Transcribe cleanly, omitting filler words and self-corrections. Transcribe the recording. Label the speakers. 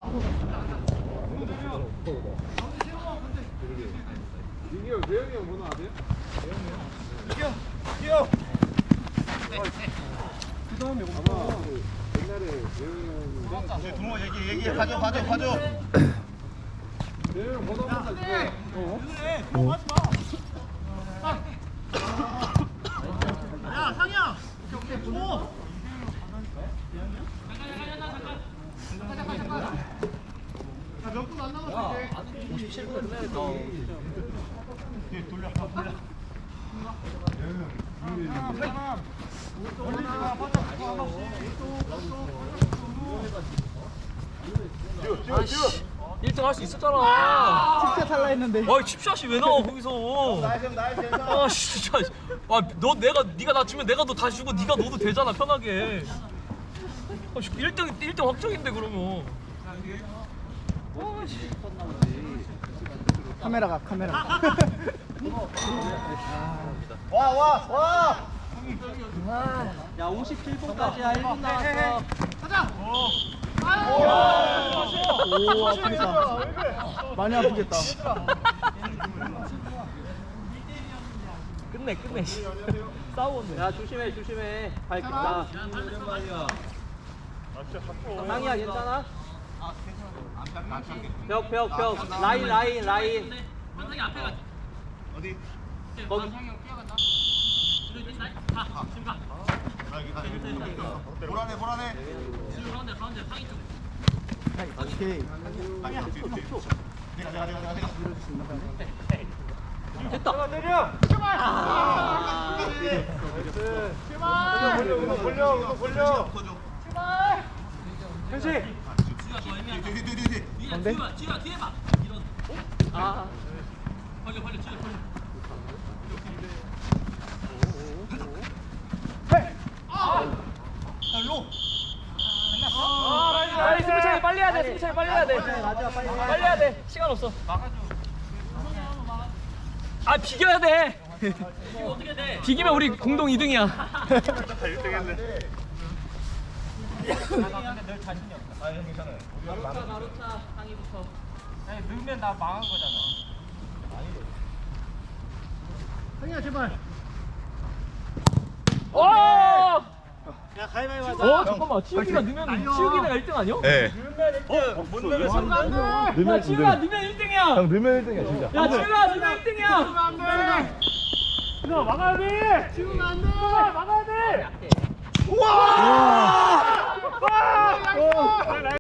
Speaker 1: 민기 형, 대영이 형 번호 아세요?
Speaker 2: 뛰어.
Speaker 1: 그 다음에 아마 그 옛날에 대영이 형이
Speaker 2: 동호 얘기해. 봐줘.
Speaker 1: 대영이 형 번호 한번 주세요.
Speaker 2: 야, 상이야. 오. 몇 분 안 남았어 이제.
Speaker 3: 57분 끝나야겠다.
Speaker 2: 돌려.
Speaker 3: 아씨 1등 할 수 있었잖아.
Speaker 4: 진짜 탈라 했는데.
Speaker 3: 아 칩샷이 왜 나와 거기서. 아 진짜. 아너 네가 나 주면 내가 너 다시 주고 네가 넣어도 되잖아 편하게. 1등 확정인데 그러면.
Speaker 4: 카메라.
Speaker 2: 와.
Speaker 3: 야 57분까지야 1분 남았어.
Speaker 4: 오, 아프겠다. 많이 아프겠다.
Speaker 3: 끝내. 싸우네. 야 조심해. 밝겠다. 상이야 괜찮아? 벽 라인. 상이 앞에 가지.
Speaker 2: 어디?
Speaker 3: 거기.
Speaker 2: 보라네.
Speaker 3: 가운데 상이 쪽.
Speaker 4: 오케이.
Speaker 2: 내가.
Speaker 3: 됐다.
Speaker 2: 내려. 벌려. 현식.
Speaker 4: 뭔데?
Speaker 3: 뒤에 봐. 이런. 아. 벌려. 빨리 해야 돼. 승차이 빨리 해야 돼. 시간 없어. 아 비겨야 돼. 어떻게 돼? 비기면 우리 공동 2등이야.
Speaker 2: 1등 했네.
Speaker 3: 마루차 상이부터.
Speaker 2: 넣으면 나 망한 거잖아. 상이야 제발.
Speaker 3: 오!
Speaker 2: 야 가위바위보 하자.
Speaker 3: 잠깐만. 치우기가 내가 1등 아니야?
Speaker 2: 네. 못 넣으면
Speaker 3: 야 치우가 넣으면 1등이야.
Speaker 1: 형 넣으면 1등이야 진짜.
Speaker 3: 야 치우가 넣으면 1등이야.
Speaker 2: 이거 막아야 돼. 지우면 안 돼. 막아야 돼.
Speaker 3: 우와!